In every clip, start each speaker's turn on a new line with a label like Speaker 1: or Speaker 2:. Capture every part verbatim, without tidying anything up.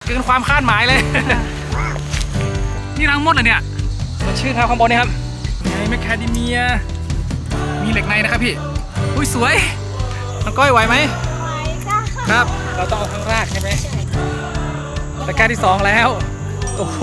Speaker 1: เกินความคาดหมายเลยนี่รังมดเลยเนี่ยมันชื่อครับข้างบนนี่ครับไงแมคคาเดเมียมีเหล็กในนะครับพี่อุ้ยสวยน้องก้อยไหวไหมครับเราต้องเอาข้างรากใช่ไหมตะกร้าที่สองแล้วโอ้โห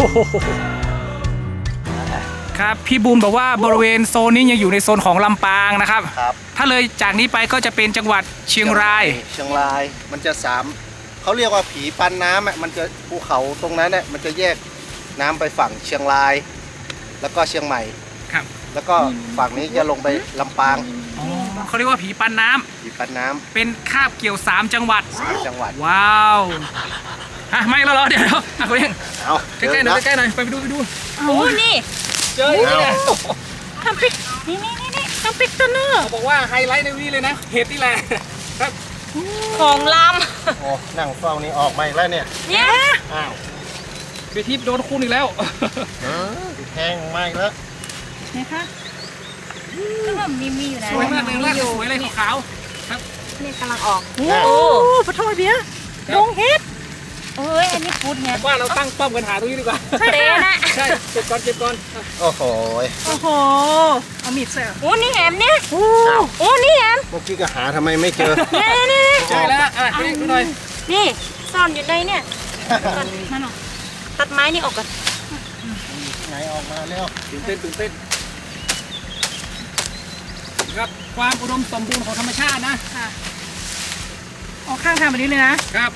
Speaker 1: ครับพี่บูมบอกว่าบริเวณโซนนี้ยังอยู่ในโซนของลำปางนะครับ
Speaker 2: ครับ
Speaker 1: ถ้าเลยจากนี้ไปก็จะเป็นจังหวัดเชียงราย
Speaker 2: เชียงรายมันจะสามเขาเรียกว่าผีปันน้ำอ่ะมันจะภูเขาตรงนั้นเนี่ยมันจะแยกน้ำไปฝั่งเชียงราย แล้วก็เชียงใหม่
Speaker 1: ครับ
Speaker 2: แล้วก็ฝั่งนี้จะลงไปลำปาง
Speaker 1: เขาเรียกว่าผีปันน้ำ
Speaker 2: ผีปันน้ำ
Speaker 1: เป็นคาบเกี่ยวสามจังหวัด
Speaker 2: สามจังหวัด
Speaker 1: ว้าวฮะไม่แล้วเหรอเดี๋ยวเดี๋ยวอ่ะคุณเอง
Speaker 2: เอา
Speaker 1: ใกล้ๆหน่อยใกล้ๆหน่อยไปไปดูไปดู
Speaker 3: โอ้นี่
Speaker 1: เจออีกแล้ว
Speaker 3: ทำปิกนี่นี่นี่นี่ทำปิกตัวเนอร์
Speaker 1: เขาบอกว่าไฮไลท์ในนี้เลยนะเห็ดนี่แหละครับ
Speaker 3: ของล
Speaker 2: ำโอ้นั่งเฝ้านี่ออกมาอีกแล้วเนี่ย
Speaker 3: เนี่ย
Speaker 2: อ้าว
Speaker 1: คือทิพย์โดนคูณอีกแล้ว
Speaker 2: แห้งมาอีกแล้ว
Speaker 3: นี่ค่ะก็แบบมีมีอยู่นะ
Speaker 1: สวยมากเลยรากสวยเลยขาวครับ
Speaker 3: นี่กำลังออก
Speaker 2: โอ้
Speaker 3: ปะทอยเบี้ยลงเฮ็ดเอ้ยอันนี้พุดไง
Speaker 1: ว่าเราตั้งป้อมกันหาตรงนี้ดีกว่า
Speaker 3: ใช่นะ
Speaker 1: ใช่เก็บก่อนเก็บก่อน
Speaker 2: โอ้โห
Speaker 3: โอ้โหเอามีดใส่โอ้นี่แหมเนี่ยโอ้โอ้นี่แหม
Speaker 2: เมื่อกี้ก็หาทำไมไม่เจอ
Speaker 3: นี่นี่
Speaker 1: เจอแล้วอ่ะดูหน่อย
Speaker 3: นี่ซ่อนอยู่ในเนี่ยนั่นหรอตัดไม้นี่ออกกัน
Speaker 2: ไหนออกมาแล้ว
Speaker 1: ตื่นเต้นตื่นเต้นครับความอุดมสมบูรณ์ของธรรมชาตินะ
Speaker 3: ค่ะออกข้างทางแบบนี้เลยนะครับ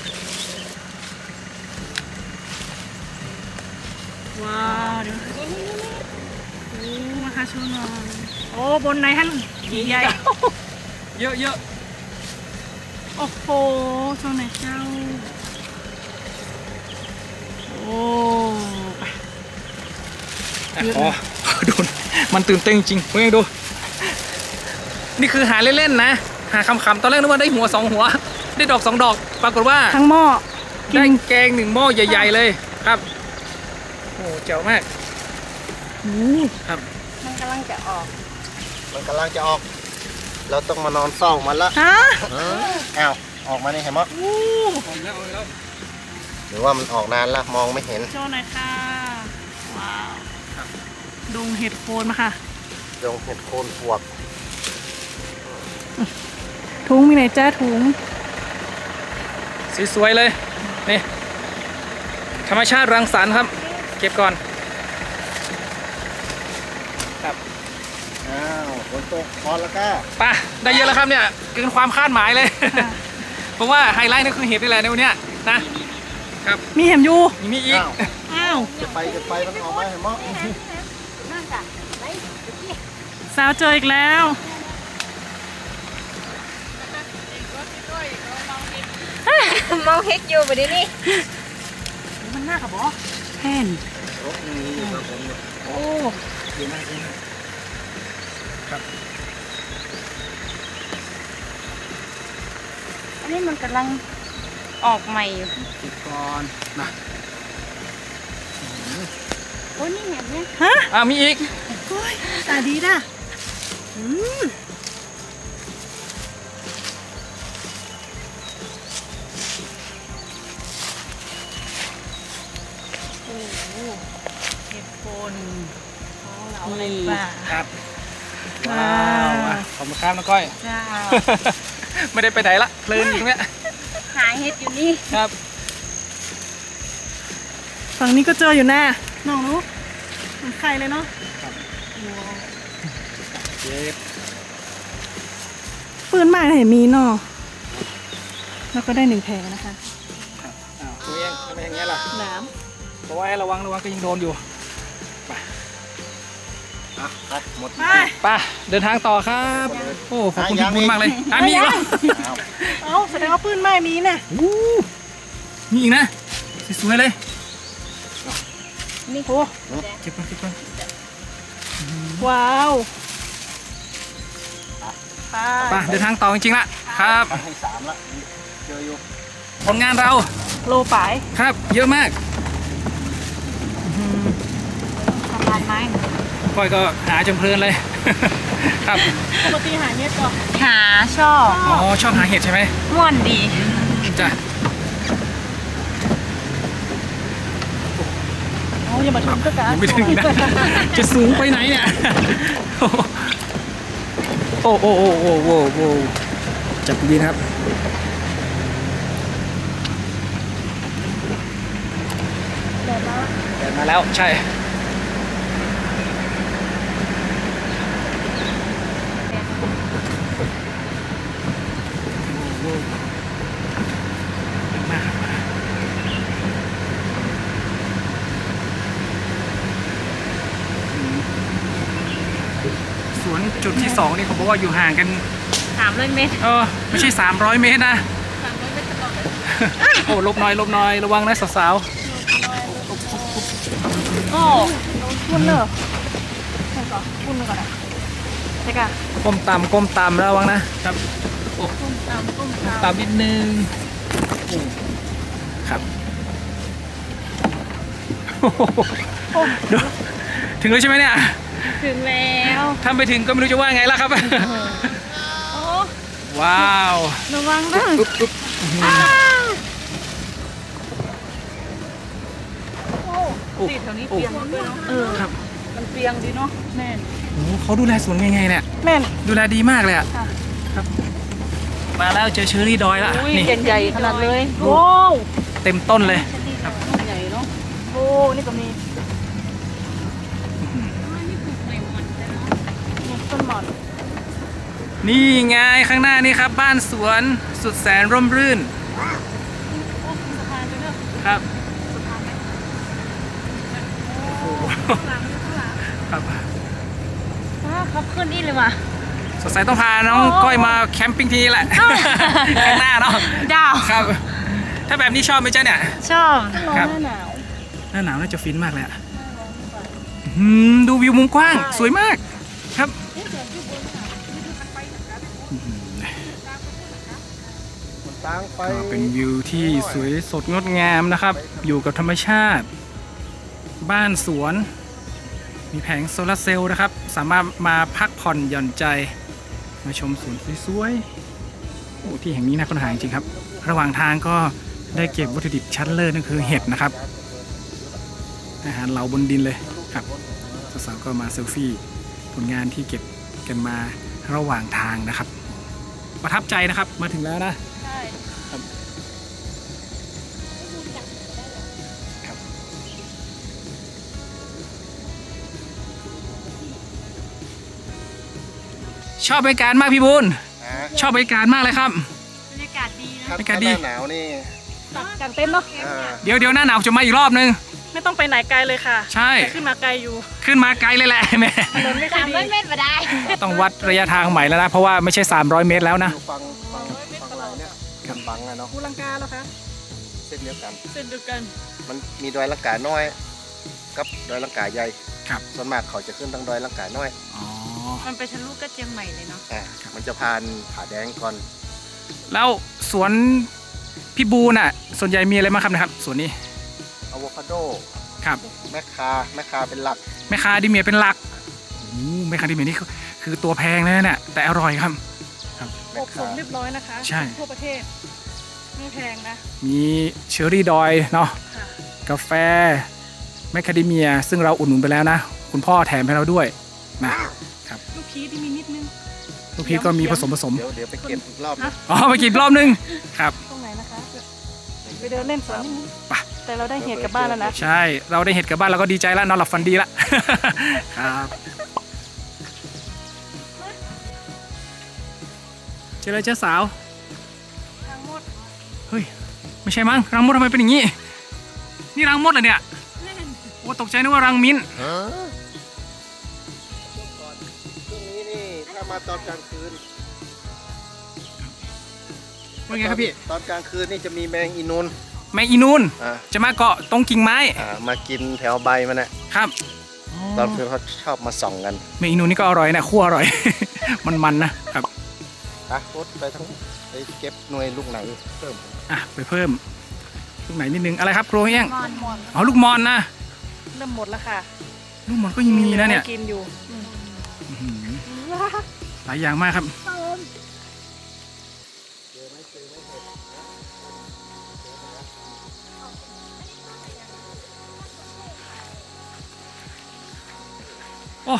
Speaker 3: ว้าวเดี๋ยวโอ้มาค่ะชูนอนโอ้บนไหนฮะใหญ่
Speaker 1: เยอะเยอะ
Speaker 3: โอ้โหโซนไหนเจ้าโอ้
Speaker 1: อ๋อโดนมันตื่นเต้นจริงเพื่อนดูนี่คือหาเล่นๆนะหาคำๆตอนแรกนึกว่าได้หัวสองหัวได้ดอกสองดอกปรากฏว่า
Speaker 3: ทั้งหม้อ
Speaker 1: ได้แกงหนึ่งหม้อใหญ่ๆเลยครับโอ้เจ๋วมากครับ
Speaker 3: มันกำลังจะออก
Speaker 2: มันกำลังจะออกเราต้องมานอนเฝ้ามันละ
Speaker 3: ฮะ
Speaker 2: อ้าวออกมานี่เห็นมั้ยหรือว่ามันออกนานละมองไม่เห็น
Speaker 3: โชว์หน่อยค่ะว้าวดงเห็ดโคนมาค่ะ
Speaker 2: ดงเห็ดโคนปวก
Speaker 3: ถุงมีไหนจ้าถุง
Speaker 1: สวยๆเลยนี่ธรรมชาติรังสรรค์ครับเก็บก่อนครับ
Speaker 2: อ้าวฝนตกพอแล้วก็
Speaker 1: ป่ะได้เยอะแล้วครับเนี่ยเกินความคาดหมายเลยเพราะว่าไฮไลท์นี่คือเห็ดนี่แหละในวันนี้นะครับ
Speaker 3: มีเห็มอยู่
Speaker 1: มีอีก
Speaker 3: อ้าว
Speaker 2: จะไปจะไปมันออกมาเห็นมั้ย
Speaker 3: สาวเจออีกแล้วมองเฮ็กอยู่ไปดินี่มันน่ากับบ่แห่นโอ้
Speaker 1: ดีมากดีมากครับ
Speaker 3: อันนี้มันกำลังออกใหม่อยู่
Speaker 1: ติดก่อนนะ
Speaker 3: โอ้นี่แบบนี้ฮะ
Speaker 1: อ่ามีอีก
Speaker 3: โอ้ยตาดีนะอืมเห็ดโคนเราในป่า
Speaker 1: ครับว้าวขอบคุณครับน้องก้อย
Speaker 3: จ้า
Speaker 1: ไม่ได้ไปไหนละเพลินอยู่เนี่ย
Speaker 3: หาเห็ดอยู่นี่
Speaker 1: ครับ
Speaker 3: ฝั่งนี้ก็เจออยู่แน่น้องรู้เหมือนไข่เลยเนาะ
Speaker 1: เจ็บ
Speaker 3: ปืนใหม่ไหนมีเนาะแล้วก็ได้หนึ่งแผลนะคะ
Speaker 1: อ้าวตัวเองทำไมอย่างเงี้ยล่ะ
Speaker 3: น้ำ
Speaker 1: เพราะว่าระวังระวังก็ยังโดนอยู่ไป
Speaker 2: ไปหมด
Speaker 1: ไปเดินทางต่อครับโอ้ขอบคุณพี่บุญมากเลยอ่ะมีอีกแล้ว
Speaker 3: เอ้าแสดงว่าปืนใหม่มีน่ะ
Speaker 1: มีอีกนะสวยเลย
Speaker 3: นี่โอ้
Speaker 1: เก็บก่อนเก็บก่อน
Speaker 3: ว้าว
Speaker 1: ไปเดินทางต่อจริงๆละครับ
Speaker 2: ให้สามละเจออยู่
Speaker 1: ผลงานเรา
Speaker 3: โลปาย
Speaker 1: ครับเยอะมาก
Speaker 3: ทำลายไม้
Speaker 1: ก้อยก็หาจนเพลินเลยครับ
Speaker 3: ปกติหาเห็ดก่อน
Speaker 4: หาชอบ
Speaker 1: อ๋อชอบหาเห็ดใช่ไหม
Speaker 4: ม่วนดี
Speaker 1: จ้ะ
Speaker 3: อย่ามาชมก็กัน
Speaker 1: ยังไม่ถึงนะ จะสูงไปไหนเนี่ย โอ้โอ้โอ้โอ้โอ้โอ้จับดีนะครับแดดมาแล้วใช่มากครับสวนจุดที่สองนี่เขาบอกว่าอยู่ห่างกัน
Speaker 3: สามร้อยเมตร
Speaker 1: เออไม่ใช่สามร้อยเมตรนะ
Speaker 3: สามร้อยเมตรตลอด
Speaker 1: โอ้ลบหน่อยลบหน่อยระวังนะสาว
Speaker 3: โอ้พุ่นเนอะใช่ก่อนพุ่นก่อนอ่ะใช่ก่ะ
Speaker 1: ๆก้มต่ำก้มต่ำระวังนะครับโอ้
Speaker 3: ก้มตามก้มตาม
Speaker 1: ต่ำนิดนึงโอ้ครับโอ้โหดูถึงแล้วใช่ไหมเนี่ย
Speaker 3: ถึงแล้ว
Speaker 1: ถ้าไปถึงก็ไม่รู้จะว่าไงแล้วครับ
Speaker 3: โอ้
Speaker 1: ว้าว
Speaker 3: ระวังนะ
Speaker 1: อุ๊บอุ๊บอื้อหือ
Speaker 3: โอ้ตีแถวนี้เปียงด้วยเนาะเออ
Speaker 1: ครับ
Speaker 3: มันเปียงดีเนาะแม่น
Speaker 1: โอ้โหเขาดูแลสวนยังไงเนี่ย
Speaker 3: แม่น
Speaker 1: ดูแลดีมากเลยอะ
Speaker 3: ค่ะ
Speaker 1: ครับมาแล้วเจอเชอรี่ดอยแล้ว
Speaker 3: อุ้ย
Speaker 1: นี่
Speaker 3: ใหญ่ๆขนาดเลยโอ้
Speaker 1: เต็มต้นเลย
Speaker 3: ครับใหญ่เนาะโอ้นี่ก็มีนี่ต้นหมอน
Speaker 1: นี่ไงข้างหน้านี่ครับ บ้านสวนสุดแสนร่มรื่น
Speaker 3: โอ้สะพานไปเนอะ
Speaker 1: ครับ
Speaker 3: สะพานไหม
Speaker 1: โอ้โห
Speaker 3: ข้างหลังข้างหลัง
Speaker 1: ครับ
Speaker 3: อ้าวขับขึ้นอีกเลยว่ะ
Speaker 1: สดใสต้องพาน้อง
Speaker 3: โอ้
Speaker 1: ก้อยมาแคมปิ้งทีแหละ ข้างหน้าเนาะ
Speaker 3: ดาว
Speaker 1: ครับ ถ้าแบบนี้ชอบไหมจ๊ะเนี่ย
Speaker 3: ชอบ
Speaker 1: ครับ
Speaker 3: หน้าหนาว
Speaker 1: หน้าหนาวน่าจะฟินมากเลยอะอืมดูวิวมุมกว้าง
Speaker 3: ใช่
Speaker 1: สวยมากครับ
Speaker 2: มันตั้งไป
Speaker 1: ก็เป็นวิวที่สวยสดงดงามนะครับ อยู่กับธรรมชาติ บ้านสวน มีแผงโซลาร์เซลล์นะครับ สามารถมาพักผ่อนหย่อนใจ มาชมสวนสวยๆโอ้ที่แห่งนี้น่าค้นหาจริงๆครับ ระหว่างทางก็ได้เก็บวัตถุดิบชั้นเลิศนั่นคือเห็ดนะครับ อาหารเหลาบนดินเลยครับสาวๆก็มาเซลฟี่ผลงานที่เก็บกันมาระหว่างทางนะครับ ประทับใจนะครับมาถึงแล้วนะ
Speaker 3: ใช่
Speaker 1: ชอบบรรยากาศมากพี่บุญ
Speaker 2: นะ
Speaker 1: ชอบบรรยากาศมากเลยครับ
Speaker 3: บรรยากาศดีนะ
Speaker 2: ถ้า
Speaker 1: บรรยากาศ
Speaker 2: ถ้า
Speaker 1: ดี
Speaker 2: หน้าหนาวนี่
Speaker 3: ตักกางเต็นท์เนาะ
Speaker 2: อ่า
Speaker 1: เดี๋ยวเดี๋ยวหน้าหนาวจะมาอีกรอบนึง
Speaker 3: ไม่ต้องไปไหนไกลเลยค่ะ
Speaker 1: ใช่
Speaker 3: แต่ขึ้นมาไกลอยู่
Speaker 1: ขึ้นมาไกลเลยแหละแม่
Speaker 3: ถนนไม่ค่อยดี
Speaker 1: ต้องวัดระยะทางใหม่แล้วนะ เพราะว่าไม่ใช่ สามร้อย เมตรแล้วนะ
Speaker 2: อยู่ฟังฟังฟังเราเนี่ยกันบังอะเนาะ
Speaker 3: ภูลังกาแล้วคะ
Speaker 2: เส้นเดียวกัน
Speaker 3: เส้นเดียวกัน
Speaker 2: มันมีดอยลังกาน้อย กับดอยลังกาใหญ่
Speaker 1: ครับ
Speaker 2: ส่วนมากเขาจะขึ้นทางดอยลังกาน้อย
Speaker 1: อ๋อ
Speaker 3: มันไปทะลุก็เชียงใหม่เลยเนาะ
Speaker 2: อ่ามันจะผ่านผาแดงก่อน
Speaker 1: แล้วสวนพี่บูน่ะ ส่วนใหญ่มีอะไรบ้างครับนะครับสวนนี้
Speaker 2: อะโวคาโด
Speaker 1: ครับ
Speaker 2: แมคคาแมคคาเป็นหลัก
Speaker 1: แมคคาเดิเมียเป็นหลักโอ้แมคคาเดิเมียนี่คือคือตัวแพงเลยนะเนี่ยแต่อร่อยครับ
Speaker 2: แม
Speaker 3: อ
Speaker 2: ค
Speaker 3: บส
Speaker 2: คาม
Speaker 3: เรียบร้อยนะคะ
Speaker 1: ใช่
Speaker 3: ทั่วประเทศ ไม่แพงนะ
Speaker 1: มีเชอร์รี่ดอยเนาะ
Speaker 3: ค่ะ
Speaker 1: กาแฟแมคคาเดเมีย ซึ่งเราอุดหนุนไปแล้วนะ คุณพ่อแถมให้เราด้วยนะ
Speaker 3: ลูกพีชที่มีนิดนึง
Speaker 1: ลูกพีชก็มีผสมผสม
Speaker 2: เดี๋ยวเดี๋ยวไปเก็บอีกรอบ
Speaker 3: ฮะ
Speaker 1: อ๋อไปกินรอบนึงครับ
Speaker 3: ตรงไหนนะคะ ไปเดินเล่นสวนนิดนึง
Speaker 1: ไป
Speaker 3: แต่เราได้เห็ดกลับบ้านแล้วนะ
Speaker 1: ใช่เราได้เห็ดกลับบ้านเราก็ดีใจแล้วนอนหลับฝันดีละ ครับเจอเลยเจ้าสาว
Speaker 3: ทางมด
Speaker 1: เฮ้ยไม่ใช่มั้งรังมดทำไมเป็นอย่างนี้นี่รังมดเหรอเนี่ยโอ้ตกใจนึกว่ารังมิ้น
Speaker 2: ช่วงนี้นี่ถ้ามาตอนกลางคืน
Speaker 1: ว่าไงครับพี่
Speaker 2: ตอนกลางคืนนี่จะมีแมงอีนูน
Speaker 1: แมงอีนูน
Speaker 2: อ่า
Speaker 1: จะมาเกาะตรงกิ่งไม้
Speaker 2: อ่ามากินแถวใบมันนะครับ ตอนคืนเขาชอบมาส่องกัน
Speaker 1: แมงอีนูนนี่ก็อร่อยนะคั่วอร่อย มันๆนะครับ
Speaker 2: อ่ะโคตรไปทั้งไปเก็บหน่วยลูกไหนเพิ่ม
Speaker 1: อ่ะไปเพิ่มลูกไหนนิดนึงอะไรครับครัวเอี้ยง
Speaker 3: มอนมอน
Speaker 1: อ๋อลูกมอนนะ
Speaker 3: เริ่มหมดแล้วค่ะ
Speaker 1: ลูกมอนก็ยังมีนะเนี่ย
Speaker 3: ให้กินอยู่อืม
Speaker 1: อื้อหือหลายอย่างมากครับอ้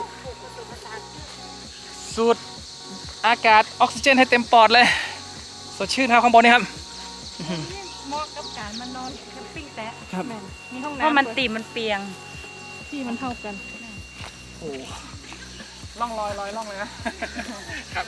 Speaker 1: สูดอากาศออกซิเจนให้เต็มปอดเลยสดชื่นครับข้างบนนี่ครับ
Speaker 3: เหมาะกับการมานอนแคมปิ้งแต่
Speaker 1: ครับ
Speaker 3: แม่นมีห้อง
Speaker 4: เพ
Speaker 3: น้ำ
Speaker 4: ราะมัน
Speaker 3: ด้วย
Speaker 4: ตีมันเปียง
Speaker 3: ที่มันเท่ากัน
Speaker 1: โอ้ล่องลอยลอยล่องเลยนะครับ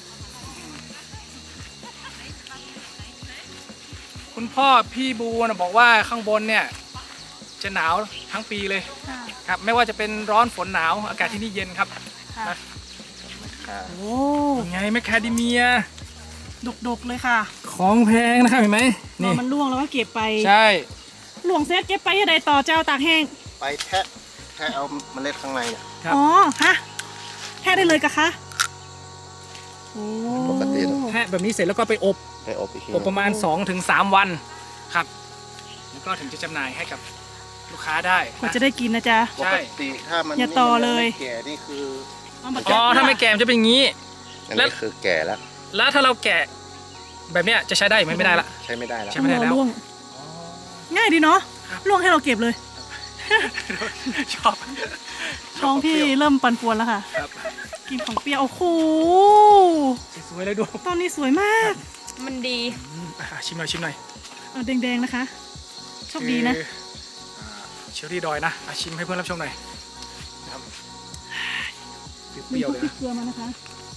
Speaker 1: คุณพ่อพี่บูนะบอกว่าข้างบนเนี่ยจะหนาวทั้งปีเลย
Speaker 3: ค่ะ
Speaker 1: ครับไม่ว่าจะเป็นร้อนฝนหนาวอากาศที่นี่เย็นครับ
Speaker 3: ค่ะ
Speaker 1: นะ
Speaker 3: โอ้
Speaker 1: ยังไงแมคคาเดเมีย
Speaker 3: ดกๆเลยค่ะ
Speaker 1: ของแพงนะครับเห็นไหม
Speaker 3: พ
Speaker 1: นี่
Speaker 3: อมันร่วงแล้วก็เก็บไป
Speaker 1: ใช่
Speaker 3: หลวงเซตเก็บไปยังไงต่อเจ้าตากแห้ง
Speaker 2: ไปแทะแทะเอาเมล็ดข้างในเนี่ย
Speaker 1: ครับ
Speaker 3: อ๋อ ฮะแท้ได้เลยกะคะโอ้
Speaker 2: ปกตินะ
Speaker 1: แทะแบบนี้เสร็จแล้วก็ไปอบ
Speaker 2: ไปอบอีกที
Speaker 1: อบประมาณ สองถึงสาม วันครับแล้วก็ถึงจะจำหน่ายให้กับลูกค้าได้
Speaker 3: กว่า
Speaker 1: นะ
Speaker 3: จะได้กินนะจ๊ะ
Speaker 2: ปกติถ้ามัน
Speaker 3: อย่าต่อเลย
Speaker 2: ไม่แก่นี่คือ
Speaker 3: เอามา
Speaker 1: อ๋อถ้าไม่แก่มันจะเป็นอย่างนี้
Speaker 2: อัน
Speaker 1: แล้
Speaker 2: นี้
Speaker 1: ว
Speaker 2: คือแก่แล้ว
Speaker 1: แล้วถ้าเราแกะแบบเนี้ยจะใช้ได้ไหมไม่ได้ละ
Speaker 2: ใช้ไม่ได้แล้ว
Speaker 1: ใช้ไม่ได้แล้ว
Speaker 3: ร่วงง่ายดีเนาะ
Speaker 1: ครับ
Speaker 3: ร่วงให้เราเก็บเลย
Speaker 1: ชอบ
Speaker 3: ท้องพี่เริ่มปั่นป่วนแล้วค่ะ
Speaker 1: ครับ
Speaker 3: กินของเปรี้ยว โอ้โห
Speaker 1: สวยเลยดู
Speaker 3: ตอนนี้สวยมาก
Speaker 4: มันดี
Speaker 1: อืมอ่ะชิมหน่อยชิมหน่อย
Speaker 3: เอาแดงๆนะคะ โชคดีนะ
Speaker 1: คืออ่าเชอรี่ดอยนะอ่ะชิมให้เพื่อนรับชมหน่อยนะครับเป
Speaker 3: มี
Speaker 1: รี้ยว
Speaker 3: พ
Speaker 1: ๆ
Speaker 3: วก
Speaker 1: เลย
Speaker 3: พริก
Speaker 1: นะ
Speaker 3: เกลือมานะคะ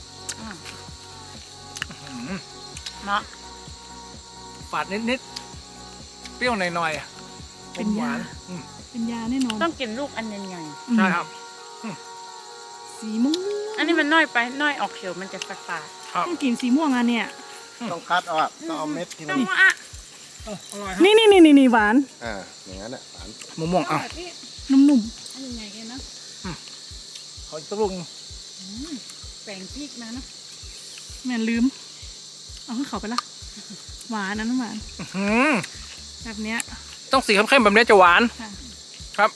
Speaker 1: อืม
Speaker 4: เนาะ
Speaker 1: ฝาดนิดๆเปรี้ยวหน่อยๆอ่ะ
Speaker 3: เป็น
Speaker 1: หวาย
Speaker 3: าน
Speaker 1: อืม
Speaker 3: เป็นยาแน่นอน
Speaker 4: ต้องกินลูกอันใหญ่
Speaker 3: อืม
Speaker 1: ใช่ครับ
Speaker 3: สีม่วง
Speaker 4: ๆอันนี้มันน้อยไปน้อยออกเขียวมันจะฝาด
Speaker 1: ครับ
Speaker 3: ต้องกินสีม่วงอ่ะเนี่ย
Speaker 2: ต้องคัดเอาอะต้องเอาเม็ดที่
Speaker 4: ๆ
Speaker 2: มั
Speaker 4: ต้
Speaker 2: น
Speaker 4: องอ่ะ
Speaker 1: เอออร่อยครับ
Speaker 3: นี่นี่นี่นี่หวาน
Speaker 2: อ่าอย่างนั้นอ่ะหวาน
Speaker 1: มะม่วงอ่ะ
Speaker 3: นุ่ม
Speaker 4: อันใหญ่ๆกันนะ
Speaker 1: ขออีกสักลูกหนึ่ง
Speaker 4: แป้งพริกนะเนาะ
Speaker 3: ๆแม่นลืม เอาขึ้นเขาไปละหวานนะน้ำหวาน
Speaker 1: อื้อหือ
Speaker 3: แบบเนี้ย
Speaker 1: ต้องสีเข้มๆแบบนี้จะหวาน
Speaker 3: ค่ะ
Speaker 1: ครับ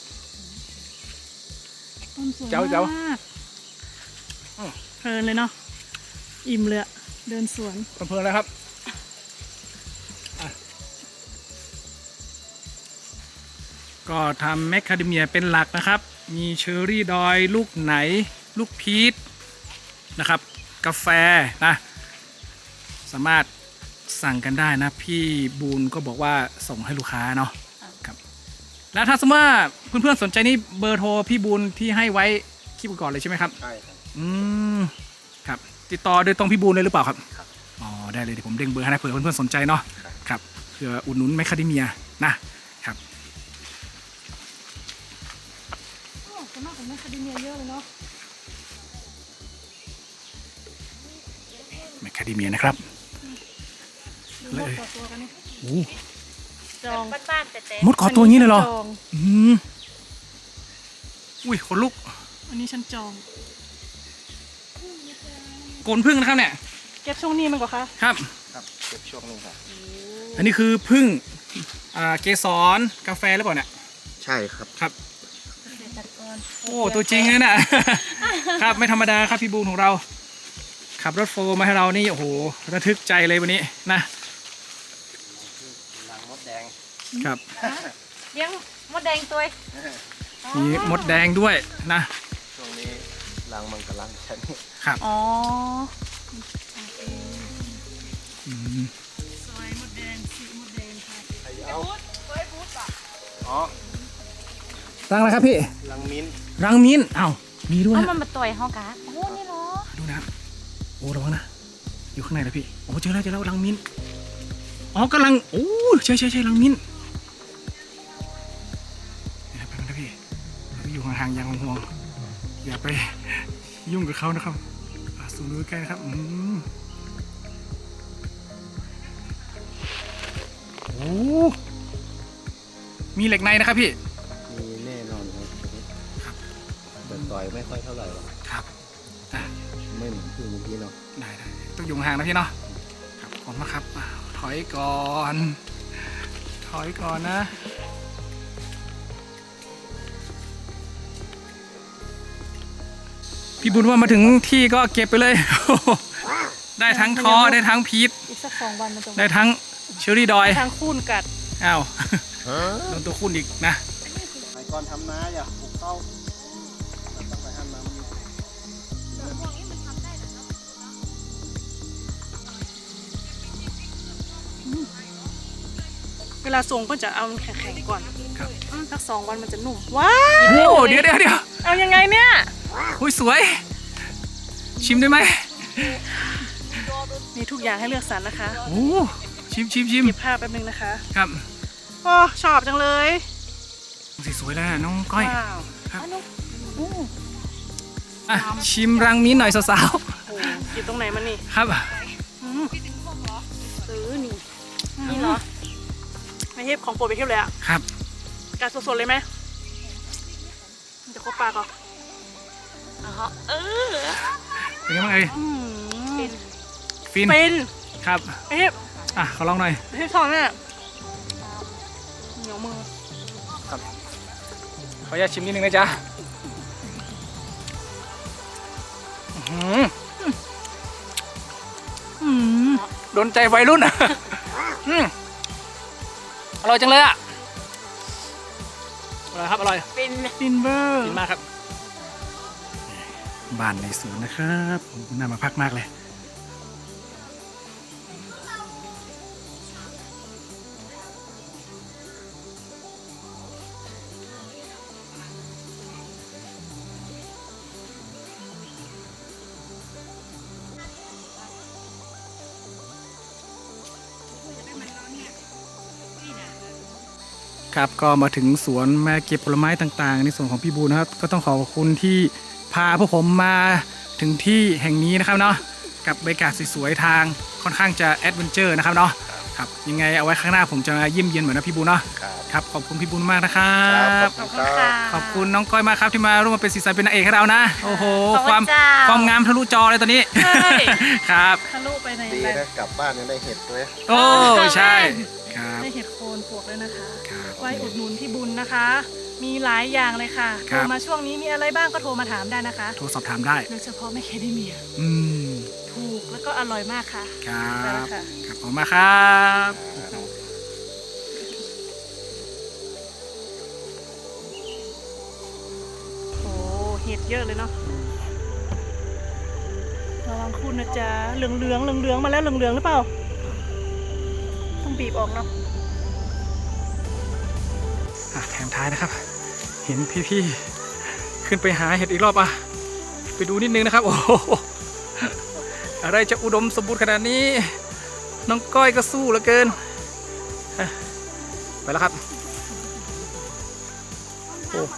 Speaker 3: ต้นสวย
Speaker 1: เจ๋วเจ๋ว
Speaker 3: มาก
Speaker 1: อืม
Speaker 3: เพลินเลยเนาะอิ่มเลยอะเดินสวน
Speaker 1: เพลินๆเลยครับอ่ะก็ทำแมคคาเดเมียเป็นหลักนะครับ มีเชอร์รี่ดอยลูกไหน ลูกพีชนะครับ กาแฟนะ สามารถสั่งกันได้นะ พี่บูนก็บอกว่าส่งให้ลูกค้าเนาะครับ แล้วถ้าสมมติว่าเพื่อนๆสนใจนี่เบอร์โทรพี่บูนที่ให้ไว้คลิปก่อนเลยใช่ไหมครับ
Speaker 2: ใช่ครับ
Speaker 1: อืมครับติดต่อโดยตรงพี่บูนเลยหรือเปล่าครับ
Speaker 2: ครับ
Speaker 1: อ๋อได้เลยเดี๋ยวผมเด้งเบอร์ให้นะเผื่อเพื่อนๆสนใจเนาะครับเผื่ออุดหนุนแมคคาเดเมียนะครับ
Speaker 3: โอ้ส่วนมากของแมคคาเดเมียเยอะเลยเนาะ
Speaker 1: แมคคาเดเมียนะครับ
Speaker 3: ดู
Speaker 1: เล
Speaker 3: มด
Speaker 1: ย
Speaker 3: ต่อตัวกันนี่
Speaker 1: โอ้
Speaker 3: จอง
Speaker 4: บ้านๆแต่แต่
Speaker 1: มดขอตัวอย่างนี้เลยเหรอ
Speaker 3: จอง
Speaker 1: อืมอุ้ยขนลุก
Speaker 3: อันนี้ฉันจอง
Speaker 1: โกนพึ่งนะครับเนี่ย
Speaker 3: เก็บช่วงนี้มันกว่าคะ
Speaker 1: ครับ
Speaker 2: ครับเก็บช่วงนี้ครับ
Speaker 1: อันนี้คือพึ่งอ่าเกสรกาแฟหรือเปล่าเนี่ย
Speaker 2: ใช่ครับ
Speaker 1: ครับ
Speaker 4: เกษตรกร
Speaker 1: โอ้ตัวจริงเลยน่ะ ครับไม่ธรรมดาครับพี่บูนของเรา ขับรถโฟร์มาให้เรานี่โอ้โหระทึกใจเลยวันนี้นะ
Speaker 2: รังมดแดง
Speaker 1: ครับ
Speaker 4: เลี้ยงมดแดงตัว
Speaker 1: มีมดแดงด้วยนะ
Speaker 2: ช่วงนี้รังมันกำลังฉัน
Speaker 1: ครับ
Speaker 4: อ๋อ
Speaker 1: อืม
Speaker 3: สวยมดแดงสีมดแดงค่ะ
Speaker 2: เอาอ๋อ
Speaker 1: รังอะไรครับพี่
Speaker 2: รังมิ้นท์
Speaker 1: รังมิ้นท์อ้าวมีด้วย
Speaker 4: เอา
Speaker 1: นะ
Speaker 4: มันมาต่อยห้องกะโอ้นี่เหรอ
Speaker 1: ดูนะครับโอ้ระวังนะอยู่ข้างในนะพี่โอ้เจอแล้วเจอแล้วรังมิ้นท์อ๋อกำลังโอ้ใช่ใช่ใช่รังมิ้นท์นี่นะแป๊บนึงนะพี่เราอยู่ห่างๆอย่างห่วงๆอย่าไปยุ่งกับเขานะครับอ่ะสูงดูใกล้นะครับอืมโอ้มีเหล็กในนะครับพี่
Speaker 2: มีแน่นอนครับแต่ต่อยไม่ค่อยเท่าไหร่หรอก
Speaker 1: ครับอ่ะ
Speaker 2: ไม่เหมือนที่เมื่อกี้เนาะ
Speaker 1: ได้ได้ต้องอยู่ห่างนะพี่เนาะครับขอบคุณมากครับอ่ะถอยก่อนถอยก่อนนะพี่บุญว่ามาถึงที่ก็เก็บไปเลย ได้ทั้งท้อได้ทั้งพีช
Speaker 3: อีกสักสองวันมันจะ
Speaker 1: ได้ทั้งเชอรี่ดอย
Speaker 3: ทางคูนกัด
Speaker 1: อ้าว โดนตัวคุณอีกนะ
Speaker 2: ไปก่อนทำนาอย่าปลูกเข้าเราต้องไปทำนา
Speaker 3: ลาส่งก็จะเอาแข็งๆก่อน
Speaker 1: ครับ
Speaker 3: อืมสักสองวันมันจะนุ่มว้า
Speaker 1: โอ้
Speaker 3: ว
Speaker 1: เดี๋ยวเดี๋ยวเดี๋ยว
Speaker 3: เอายังไงเนี่ย
Speaker 1: อุ้ยสวย ชิมได้ไหม
Speaker 3: มีทุกอย่างให้เลือกสรรนะคะ
Speaker 1: โอ้ชิมชิมชิม
Speaker 3: เก็บภาพแป๊บนึงนะคะ
Speaker 1: ครับ
Speaker 3: โอ้ชอบจังเลย
Speaker 1: สีสวยแล้วนะน้องก้อย
Speaker 3: ว้าว
Speaker 1: ครับอ่ะชิมรังมิ้นหน่อยสาว
Speaker 3: โอ้อยู่ตรงไหนมันนี่
Speaker 1: ๆครับ
Speaker 3: อืมซื้อนี่นี่เหรอไม่เทพของโปรดไปเทพเลยอะ
Speaker 1: ครับ
Speaker 3: การสดๆเลยไหมมันจะครบปากก่อนอ๋อเออ
Speaker 1: เป็นไงบ้างเอ่ย
Speaker 3: อืม
Speaker 1: ฟิน
Speaker 3: เป็น
Speaker 1: ครับ
Speaker 3: ไม่เทพ
Speaker 1: อ่ะขอลองหน่อย
Speaker 3: ไม่เทพชอบเนี่ยเหนียวมือ
Speaker 1: ขออนุญาตชิมนิดนึงนะจ๊ะอื้อหือ
Speaker 3: อืม
Speaker 1: โดนใจวัยรุ่นอ่ะอืมอร่อยจังเลยอ่ะอร่อยครับอร่อย
Speaker 3: เป็นฟินเวอร์
Speaker 1: กินมากครับบ้านในสวนนะครับผมน่ามาพักมากเลยครับก็มาถึงสวนแม่เก็บผลไม้ต่างๆ ในส่วนของพี่บูนะครับก็ต้องขอบคุณที่พาพวกผมมาถึงที่แห่งนี้นะครับเนาะกับบรรยากาศสวยๆทางค่อนข้างจะแอดเวนเจอร์นะครับเนาะครับยังไงเอาไว้ข้างหน้าผมจะมาเยี่ยมเยียนเหมือนนะพี่บูเนาะ
Speaker 2: ครับ
Speaker 1: ครับขอบคุณพี่บูมากนะครั
Speaker 2: ครับ บขอบคุณครับ
Speaker 1: ขอบคุณน้องก้อยมากครับที่มาร่วมมาเป็นสีสันเป็นนางเอกให้เรานะโอ้โห
Speaker 3: ขอบ
Speaker 1: ค
Speaker 3: คุ
Speaker 1: วาม
Speaker 3: ณเจ้า
Speaker 1: ความงามทะลุจอเลยตอนนี้
Speaker 3: ใช่
Speaker 1: ครับ
Speaker 3: ทะลุไปใน
Speaker 2: ดีนะกลับบ้านยังได้เห็ดด้วย
Speaker 1: โอ้ใช่ครับ
Speaker 3: ได้เห็ดโคนปลวกด้วยนะคะ
Speaker 1: ครับ
Speaker 3: ไว้อุดหนุนพี่บุญนะคะ มีหลายอย่างเลยค่ะ
Speaker 1: ครั
Speaker 3: โท
Speaker 1: บ
Speaker 3: รมาช่วงนี้มีอะไรบ้างก็โทรมาถามได้นะคะ
Speaker 1: โทรสอบถามได้
Speaker 3: โดยเฉพาะแม่แคดเมีย
Speaker 1: อืม
Speaker 3: ถูกแล้วก็อร่อยมากค่ะ
Speaker 1: ครั
Speaker 3: ไปแล้ว
Speaker 1: บ
Speaker 3: ค่ะ
Speaker 1: ครับขอบคุณมากครับ
Speaker 3: โอ้เห็ดเยอะเลยเนาะระวังคุณนะจ๊ะเหลืองเหลืองเหลืองเหลืองๆมาแล้วเหลืองเหลืองๆหรือเปล่า ต้องบีบออกเนาะ
Speaker 1: อ่ะแถมท้ายนะครับ เห็นพี่ๆขึ้นไปหาเห็ดอีกรอบอ่ะไปดูนิดนึงนะครับโอ้โหอะไรจะอุดมสมบูรณ์ขนาดนี้น้องก้อยก็สู้เหลือเกินอ่ะไปแล้วครับโอ้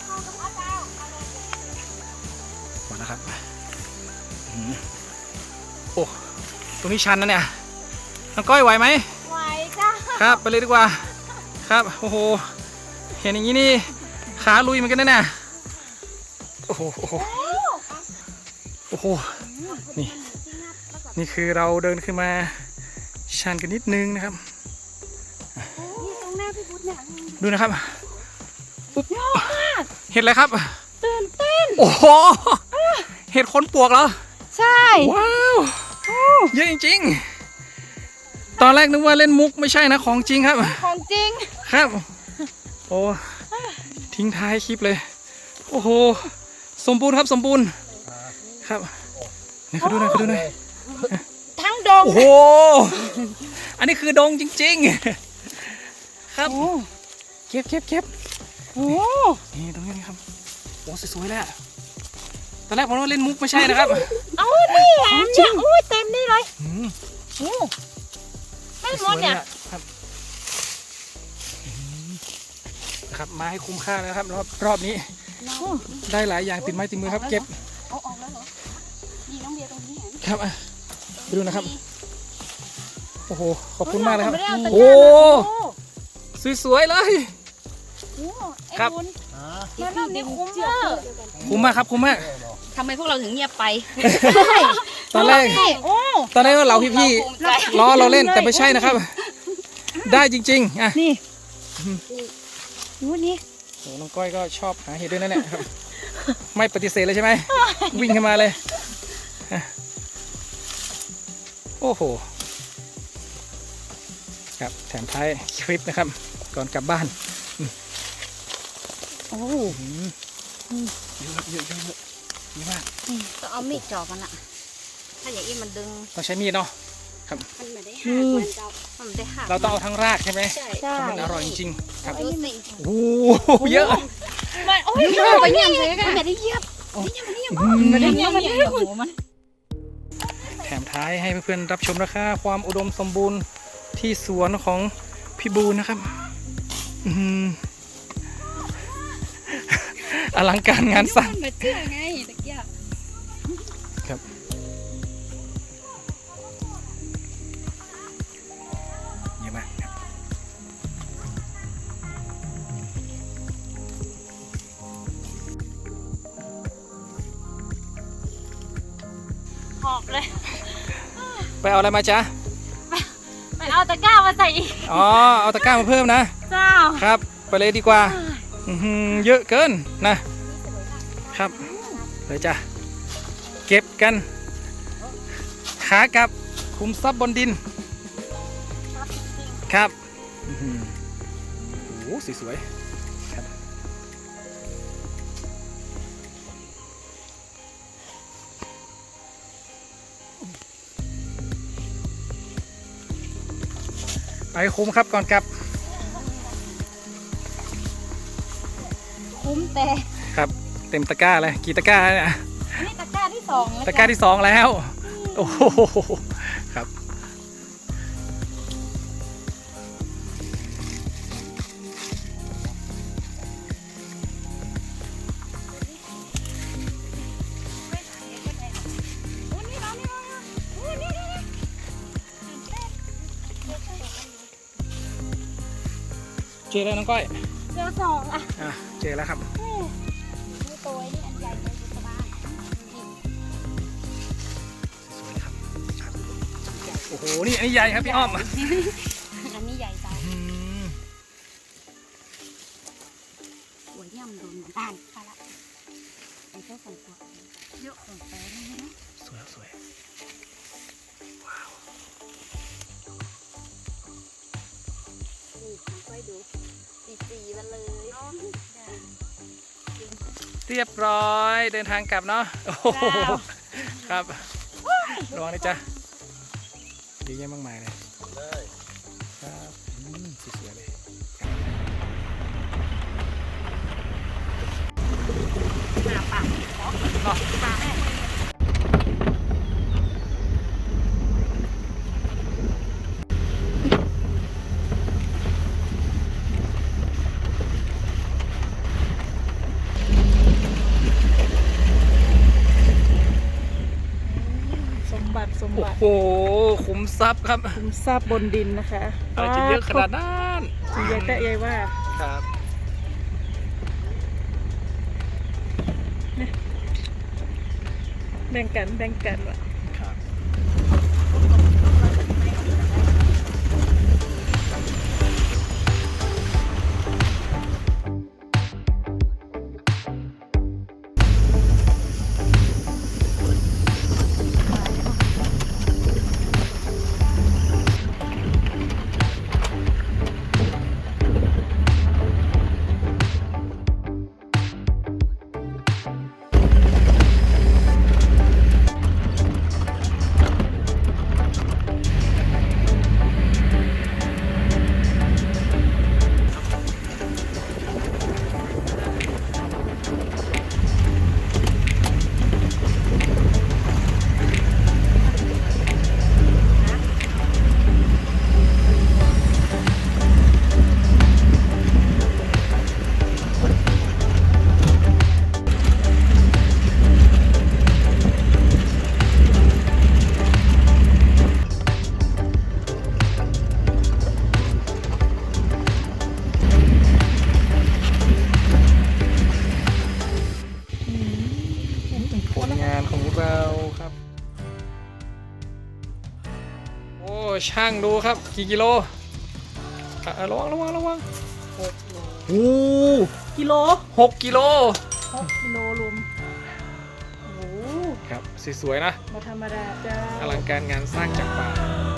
Speaker 1: มาแล้วครับอืมโอ้ตรงนี้ชันนะเนี่ยน้องก้อยไหวไหม
Speaker 4: ไหวจ้า
Speaker 1: ครับไปเลยดีกว่าครับโอ้โหเห็นอย่างนี้นี่ขาลุยเหมือนกันนะเนี่ยโอ้โหโอ้โหโอ้โหนี่นี่คือเราเดินขึ้นมาชันกันนิดนึงนะครับ
Speaker 4: นี่ตรงหน้าพี่พุทธเนี่ย
Speaker 1: ดูนะครับปุ๊บเห็ดอะไรครับ
Speaker 4: ตื่นเต้น
Speaker 1: โอ้โหเห็ดขนปวกเหรอ
Speaker 4: ใช่
Speaker 1: ว้าวเยอะจริงๆตอนแรกนึกว่าเล่นมุกไม่ใช่นะของจริงครับ
Speaker 4: ของจริง
Speaker 1: ครับโอ้ทิ้งท้ายคลิปเลย โอ้โหสมบูรณ์ครับสมบูรณ์ครับนี่เขาดูหน่อยเขาดูหน่อย
Speaker 4: ทั้งดง
Speaker 1: โอ้โหอันนี้คือดงจริงๆครับเก็บเก็บเก็บ
Speaker 4: โอ้
Speaker 1: นี่ตรงนี้ครับโอ้สวยๆเลยอะตอนแรกผมว่าเล่นมุกไม่ใช่นะครับ
Speaker 4: เอานี่แหละเนี่ยอุ้ยเต็มนี่เลย
Speaker 1: อืม
Speaker 4: โอ้ไม่หม
Speaker 1: สว
Speaker 4: ด
Speaker 1: ยๆ
Speaker 4: เนี่ย
Speaker 1: อะครับอืมนะครับมาให้คุ้มค่านะครับรอบรอบนี้ได้หลายอย่างติดไม้ติดมือครับเก็บ
Speaker 4: เอาออกแล้วเหรอนี่น้องเบียร์ตรงนี้เห็น
Speaker 1: ครับอ่ะไปดูนะครับ โอ้โห ขอบคุณมากเลยครับ
Speaker 4: ไม่ได้เอาตะกร้า
Speaker 1: โอ้
Speaker 4: มา
Speaker 1: สวยๆเลย
Speaker 4: โอ้ไอ้
Speaker 1: ครับ
Speaker 4: บุญมันรอบนี้คุ้มมาก
Speaker 1: คุ้มมากครับคุ้มมาก
Speaker 3: ทำไมพวกเราถึงเงียบไป
Speaker 1: ตอนแรก
Speaker 4: นี่โอ้
Speaker 1: ตอนแรกว่าเราพี่ๆล้อเราเล่นแต่ไม่ใช่นะครับ ได้จริงๆอ่ะ
Speaker 4: นี่ดูนี่
Speaker 1: โอ้น้องก้อยก็ชอบหาเห็ดด้วยนั่นแหละครับ ไม่ปฏิเสธเลยใช่ไหม วิ่งเข้ามาเลยอ่ะโอ้โห ครับแถมท้ายคลิปนะครับ ก่อนกลับบ้าน
Speaker 4: โอ้
Speaker 1: อืมเยอะเยอะเยอะเยอะเยอะมาก
Speaker 4: ต้องเอามีดจ่อมันอะถ้าอย่างนี้มันดึง
Speaker 1: ต้องใช้มีดเนาะครับ
Speaker 3: มันไม่ได้หักมันเจ้ามันไม่ได้หัก
Speaker 1: เราต้องเอาทั้งรากใช่ไหม
Speaker 3: ใช่
Speaker 4: ใช่
Speaker 1: มันอร่อยจริงๆครับ
Speaker 3: ดูสิ
Speaker 1: โอ้โหเยอะ
Speaker 4: มันโอ้ย
Speaker 3: ไปเยี่ยมเลยกันไม่ได้เยี่ยม
Speaker 4: มันได้เงี้ยมันได้หัวมัน
Speaker 1: แถมท้ายให้เพื่อนๆรับชมนะคะความอุดมสมบูรณ์ที่สวนของพี่บูนนะครับอื้อหืออลังการงานสร้าง
Speaker 3: มันมาเชื่อไงตะเกียบ
Speaker 1: ครับเยอะมากครับ
Speaker 4: หอบเลย
Speaker 1: ไปเอาอะไรมาจ๊ะ
Speaker 4: ไปเอาตะกร้ามาใส่อีก
Speaker 1: อ๋อเอาตะกร้ามาเพิ่มนะ
Speaker 4: เจ้า
Speaker 1: ครับไปเลยดีกว่าอื้อหือเยอะเกินนะครับเลยจ้ะเก็บกันขากลับคุมทรัพย์บนดินครับอื้อหือโอ้โหสวยๆครับไปคุมครับก่อนกลับ
Speaker 4: คุ้มแต่
Speaker 1: ครับเต็มตะกร้าเลยกี่ตะกร้าเนี่ย
Speaker 4: อันนี้ตะกร้าที่สองแล้ว
Speaker 1: ตะกร้าที่สองแล้วโอ้โหครับเจอแล้วน้องก้อย
Speaker 4: เจอสองอ่ะ
Speaker 1: อ่ะเจอแล้วครับ
Speaker 4: นี่ตัวนี้อันใหญ่เลยอยู่สบาย
Speaker 1: สวยๆครับโอ้โหนี่อันนี้ใหญ่ครับพี่อ้อม
Speaker 3: อันนี้ใหญ่เจ้า
Speaker 1: อืม
Speaker 3: หัวเยี่ยมโดนด้านไปละไอ้เจ้าของตัวเยอะของแฟนนี่นะ
Speaker 1: สวยสวย
Speaker 3: นี่ค่อยดูสีสีมันเลย
Speaker 1: เรียบร้อยเดินทางกลับเนาะโอ้โหครับระวังนะจ๊ะเยอะแยะมากมายเลย
Speaker 2: เลย
Speaker 1: ครับอืมสวยๆเลยเนาะ
Speaker 4: สมบัติสม
Speaker 1: โอ้
Speaker 4: บัติ
Speaker 1: โหขุมทรัพย์ครับ
Speaker 4: คุ้มทราบบนดินนะคะ
Speaker 1: อะไรจะเยอะขนาดนั้น
Speaker 4: สีใหญ่แต่ใหญ่ว่า
Speaker 1: ครับ
Speaker 4: แบ่งกันแบ่งกันว่ะ
Speaker 1: ครับผลงานของเราครับ โอ้ช่างดูครับกี่กิโลอ่ะระวังระวังระวังโอ้
Speaker 4: กิโล
Speaker 1: หกกิโล
Speaker 4: หกกิโลรวมโอ้โห
Speaker 1: ครับสวยๆนะ
Speaker 4: มาธรรมดาจ้า
Speaker 1: อลังการงานสร้างจากป่า